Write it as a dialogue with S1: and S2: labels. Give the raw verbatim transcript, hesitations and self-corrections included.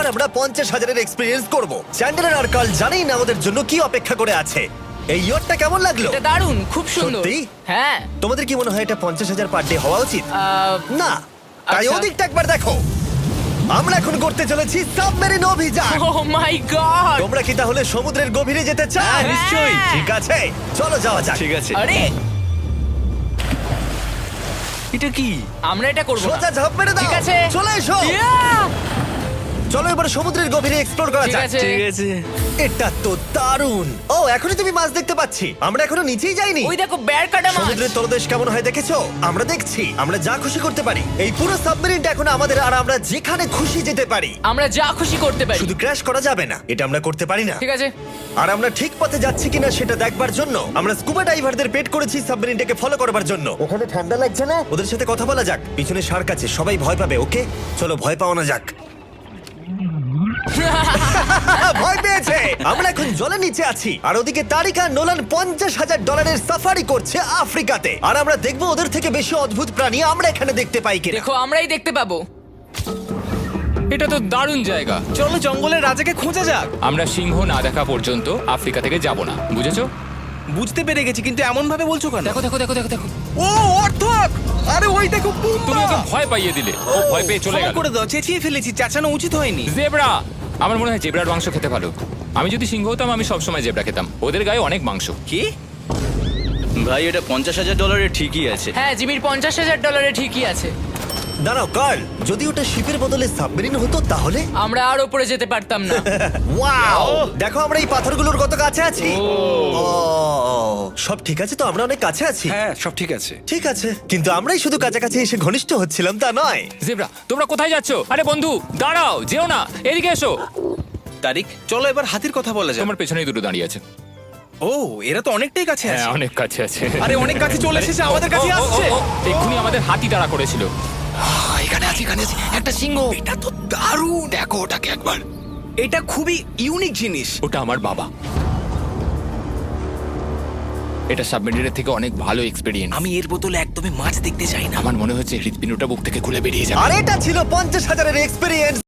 S1: এবার আমরা পঞ্চাশ হাজারের এক্সপিরিয়েন্স করব। চ্যান্ডেলার আর কার্ল জানেই না ওদের জন্য কি অপেক্ষা করে আছে। এই ইয়টটা কেমন লাগলো?
S2: এটা দারুণ, খুব সুন্দর।
S1: সত্যি?
S2: হ্যাঁ।
S1: তোমাদের কি মনে হয় এটা পঞ্চাশ হাজার পার ডে হওয়া উচিত?
S2: আহ,
S1: না, তাই
S2: আচ্ছা।
S1: ওদিকটা একবার দেখো। আমরা এখন করতে চলেছি সাবমেরিন অভিযান।
S2: Oh my God!
S1: তোমরা কি তাহলে সমুদ্রের গভীরে যেতে চাও?
S2: হ্যাঁ, নিশ্চয়ই।
S1: ঠিক আছে, চলো যাওয়া যাক।
S3: ঠিক আছে।
S2: আরে
S3: এটা কি?
S2: আমরা এটা করব না।
S1: সোজা ঝাঁপ মেরে দাও।
S2: ঠিক আছে।
S1: চলে এসো।
S2: Yeah!
S1: চলো এবার সমুদ্রের গভীরে এক্সপ্লোর করা
S2: ঠিক
S1: যাক।
S2: আছে।
S3: ঠিক আছে।
S1: এটা তো দারুণ। ও, এখনই তুমি মাছ দেখতে পাচ্ছি। আমরা এখনো নিচেই যাইনি।
S2: ওই দেখো বের কাটা মাছ।
S1: সমুদ্রের তলদেশ কেমন হয় দেখেছো? আমরা দেখছি, আমরা যা খুশি করতে পারি। এই পুরো সাবমেরিনটা এখন আমাদের, আর আমরা যেখানে খুশি যেতে পারি।
S2: আমরা যা খুশি করতে পারি।
S1: শুধু ক্র্যাশ করা যাবে না, এটা আমরা করতে পারি না।
S2: ঠিক আছে।
S1: আর আমরা ঠিক পথে যাচ্ছি কিনা সেটা দেখবার জন্য আমরা স্কুবা ডাইভারদের পেড করেছি সাবমেরিনটাকে ফলো করবার জন্য। ওখানে ঠান্ডা লাগছে না? ওদের সাথে কথা বলা যাক। পিছনে শার্ক আছে, সবাই ভয় পাবে। ওকে, চলো ভয় পাও না যাক। ভয় পেয়েছে। আমরা এখন জলের নিচে আছি, আর ওদিকে তারিকা নোলান পঞ্চাশ হাজার ডলারের সাফারি করছে আফ্রিকাতে। আর আমরা দেখবো ওদের থেকে বেশি অদ্ভুত প্রাণী আমরা এখানে দেখতে পাই কিনা।
S2: দেখো আমরাই দেখতে পাবো।
S4: এটা তো দারুণ জায়গা।
S3: চলো জঙ্গলের রাজাকে খোঁজা যাক।
S4: আমরা সিংহ না দেখা পর্যন্ত আফ্রিকা থেকে যাব না, বুঝেছো?
S3: বুঝতে পেরে গেছি, কিন্তু এমন ভাবে বলছো কেন?
S4: দেখো দেখো দেখো দেখো দেখো
S3: ও অর্থক! আরে ওই দেখো পুম্বা!
S4: তুমি ওকে ভয় পাইয়ে দিলে, ও ভয় পেয়ে চলে
S3: ক্ষমা
S4: গেল।
S3: করে দাও, চেঁচিয়ে ফেলেছি, চাচানো উচিত হয়নি।
S4: জেব্রা, আমার মনে হয় জেব্রার মাংস খেতে ভালো। আমি যদি সিংহ হতাম আমি সবসময় জেব্রা খেতাম, ওদের গায়ে অনেক মাংস।
S3: কি?
S5: ভাই এটা পঞ্চাশ হাজার ডলারের ঠিকই আছে।
S2: হ্যাঁ, জিমির পঞ্চাশ হাজার ডলারে ঠিকই আছে।
S1: দাঁড়াও কার্ল, যদি ওটা শিপের বদলে সাবমেরিন হতো তাহলে?
S2: আমরা আর উপরে যেতে পারতাম না।
S1: ওয়াও, দেখো আমরা এই পাথরগুলোর কত কাছে আছি। ও, সব ঠিক আছে তো? আমরা অনেক কাছে আছি।
S3: হ্যাঁ, সব ঠিক আছে।
S1: ঠিক আছে, কিন্তু আমরাই শুধু কাছাকাছি এসে ঘনিষ্ঠ হচ্ছিলাম তা নয়।
S4: জেব্রা, তোমরা কোথায় যাচ্ছো? আরে বন্ধু দাঁড়াও, যেও না, এদিকে এসো।
S3: তারিক, চলো এবার হাতির কথা বলা যাক।
S4: তোমার পেছনেই দুটো দাঁড়িয়ে আছে।
S3: ও, এরা তো অনেকটাই কাছে
S4: হ্যাঁ,
S3: আছে।
S4: অনেক কাছে আছে।
S3: আরে অনেক কাছে চলে এসেছে, আমাদের কাছে
S4: ও, ও, ও,
S3: আসছে।
S4: ও, এক্ষুনি আমাদের হাতি তাড়া করেছিল।
S5: এখানে আছে, এখানে আছে একটা সিংহ।
S3: এটা তো দারুণ।
S5: দেখো ওটাকে একবার।
S3: এটা খুবই ইউনিক জিনিস।
S4: ওটা আমার বাবা। এটা সাবমেরিনের থেকে অনেক ভালো এক্সপেরিয়েন্স।
S3: আমি এর বোতলে একদমই মাছ দেখতে চাই না।
S4: আমার মনে হচ্ছে হৃৎপিণ্ডটা বুক থেকে খুলে বেরিয়ে যাবে।
S1: আর এটা ছিল পঞ্চাশ হাজারের এক্সপিরিয়েন্স।